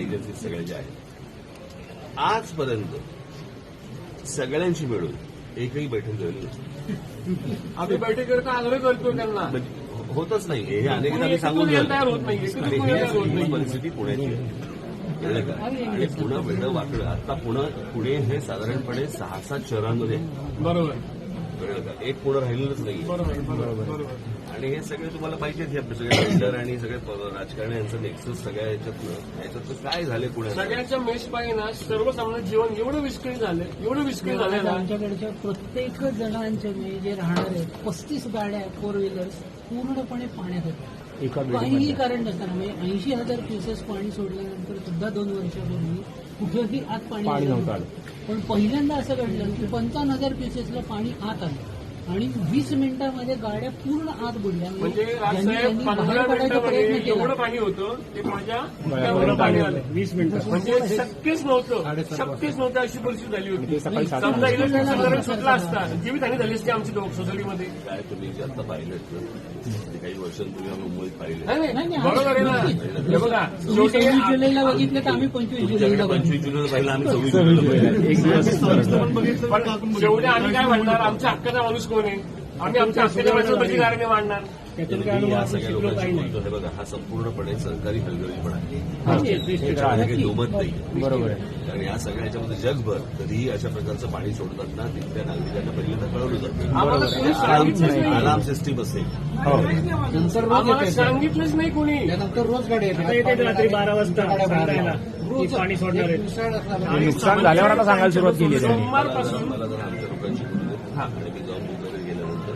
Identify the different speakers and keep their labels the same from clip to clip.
Speaker 1: Agency सगळ्या ज्या आहेत आजपर्यंत सगळ्यांची मिळून एकही बैठक झाली नसते.
Speaker 2: आम्ही बैठकीकरता आग्रह करतो त्यांना,
Speaker 1: होतच नाही. हे अनेकदा मी सांगून
Speaker 2: तयार होत नाही,
Speaker 1: ही परिस्थिती पुण्याची आहे. कळलं का? आणि पुणे वेगळं वाकडं. आता पुणे हे साधारणपणे 6-7 शहरांमध्ये
Speaker 2: बरोबर,
Speaker 1: कळलं का? एक पुणे राहिलेलंच नाही.
Speaker 2: बरोबर.
Speaker 1: आणि हे सगळे तुम्हाला माहितीच आहे, सगळे बिल्डर आणि सगळे राजकारणी यांचं नेक्सस सगळ्या याच्यातनं काय झाले पुण्यात
Speaker 2: सगळ्यांच्या मेषपायी ना सर्वसामान्य जीवन एवढं विस्कळीत झालंय ना.
Speaker 3: आमच्याकडच्या प्रत्येक जणांचे जे राहणार आहेत 35 गाड्या 4 व्हीलर्स पूर्णपणे पाण्यात होत्या. काहीही कारण नसताना म्हणजे 80,000 क्युसेस पाणी सोडल्यानंतर सुद्धा 2 वर्षापूर्वी कुठेही आत पाणी नव्हतं. पण पहिल्यांदा असं घडलं की 55,000 क्युसेसला पाणी आत आलं आणि 20 मिनिटांमध्ये गाड्या पूर्ण आत बुडल्या.
Speaker 2: म्हणजे राजसाहेब 15 मिनिटांमध्ये एवढं पाणी होतं ते माझ्या पाणी आलं 20 मिनिटं. म्हणजे शक्यच नव्हतं अशी परिस्थिती झाली होती. समजा इलेक्ट्रिक सुटला असता जीवितहानी झाली असते आमची सोसायटीमध्ये.
Speaker 1: काय तुम्ही जे आता पाहिलं काही वर्षांपूर्वी आम्ही मुंबईत पाहिलं.
Speaker 2: बरोबर आहे ना. हे बघा
Speaker 3: 26 जुलैला बघितलं तर आम्ही 25 जुलैला
Speaker 1: 25 जुलैला पाहिलं, आम्ही 26 जुलैला
Speaker 2: एक दिवस. पण शेवटी आम्ही काय म्हणणार, आमच्या हक्काचा माणूस कोण आहे? आम्ही आमच्या हक्काच्या माणसाला कशी कारण मांडणार?
Speaker 1: या सगळ्या लोकांची बोलतो हे बघा, हा संपूर्णपणे सरकारी हलगर्जीपणा आहे. काही दुमत नाही. बरोबर आहे. कारण या सगळ्या याच्यामध्ये जगभर कधीही अशा प्रकारचं पाणी सोडतात ना, तिथल्या नागरिकांना पहिल्यांदा कळवलं जातं. अलार्म सिस्टीम असेल.
Speaker 2: सांगितलंच नाही कोणी.
Speaker 3: नंतर रोज गाड्या येतात
Speaker 4: रात्री 12 वाजता पाणी सोडणार आहे.
Speaker 5: नुकसान झाल्यावर आता सांगायला सुरुवात केली आहे.
Speaker 2: सोमवारपासून
Speaker 1: मला जर आमच्या लोकांशी बोलू दे आणि मी जाऊन मुंबईला गेल्यानंतर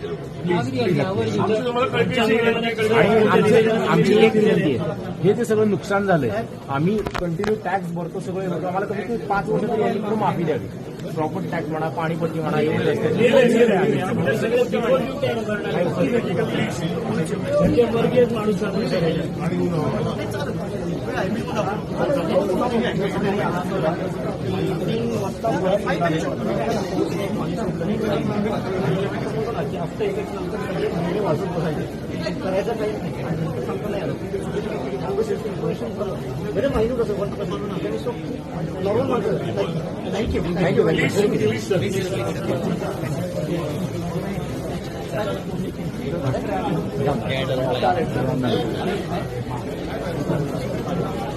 Speaker 5: आमची एक विनंती आहे, हे जे सगळं नुकसान झालंय आम्ही कंटिन्यू टॅक्स भरतो, सगळे भरतो. आम्हाला कमीत कमी 5 वर्ष तरी यांनी करून माफी द्यावी. प्रॉपर्टी टॅक्स म्हणा, पाणीपट्टी म्हणा, एवढे
Speaker 4: माणूस
Speaker 3: करायचं काही बरे माहिती कसं थँक्यू.